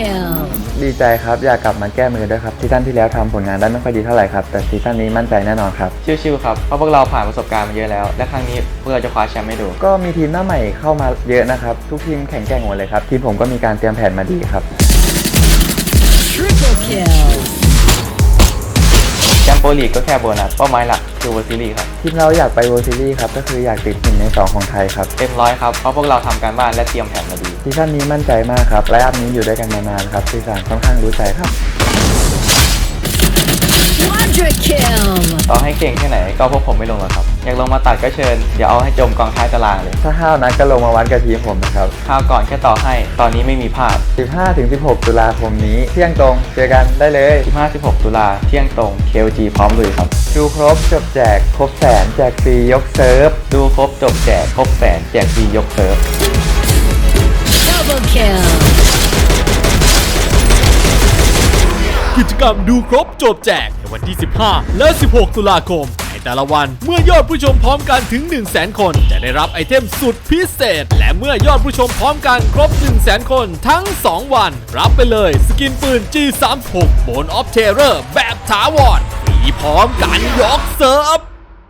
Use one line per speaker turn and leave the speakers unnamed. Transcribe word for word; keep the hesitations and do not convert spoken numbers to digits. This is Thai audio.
kill
ดีใจครับอยากกลับมาแก้มือด้วยครับซีซั่นที่แล้วทำผลงานได้ไม่ค่อยดีเท่าไหร่ครับแต่ซีซั่นนี้มั่นใจแน่นอนครับ
ชิวๆครับเพราะพวกเราผ่านประสบการณ์มาเยอะแล้วและครั้งนี้พวกเราจะคว้าแชมป์ให้ดู
ก็มีทีมหน้าใหม่เข้ามาเยอะนะครับทุกทีมแข็งแกร่งหมดเลยครับทีมผมก็มีการเตรียมแผนมาดีครับ
triple kill
แชมป์โปรลีกก็แค่โบนัสเป้าหมายหลักคือเวอร์ซีรีส์ครับ
ทีมเราอยากไป World Series ครับก็คืออยากติดหนึ่งในสองของไทยครับ
เต็มร้อยครับเพราะพวกเราทำการบ้านและเตรียมแผนมาดี
ซีซั่นนี้มั่นใจมากครับไลฟ์อัพนี้อยู่ด้วยกันมานานครับซีซั่นค่อนข้างรู้ใจครับ
quadra kill
ต่อให้เก่งแค่ไหนก็พวกผมไม่ลงหรอกครับอยากลงมาตัดก็เชิญเดี๋ยวเอาให้จมกองท้ายตารางเลย
ถ้าห้าวนัดก็ลงมาวัดกับทีมผมนะครับ
คราวก่อนแค่ต่อให้ตอนนี้ไม่มีภาพ
สิบห้าถึงสิบหก ตุลาคมนี้เที่ยงตรงเจอกันได้เลย
สิบห้าถึงสิบหก ตุลาเที่ยงตรง เค แอล จี พร้อมลุยครับ
ดูครบจบแจกครบแสนแจกฟรียกเซิร์ฟ
ดูครบจบแจกครบแสนแจกฟรียกเซิร์ฟ
double kill
กิจกรรมดูครบจบแจกในวันที่ สิบห้า และ สิบหก ตุลาคมในแต่ละวันเมื่อยอดผู้ชมพร้อมกันถึง หนึ่งแสน คนจะได้รับไอเทมสุดพิเศษและเมื่อยอดผู้ชมพร้อมกันครบ หนึ่งแสน คนทั้ง สอง วันรับไปเลยสกินปืน จี สามสิบหก Bone of Terror แบบถาวรฟรีพร้อมกันยกเซิร์ฟ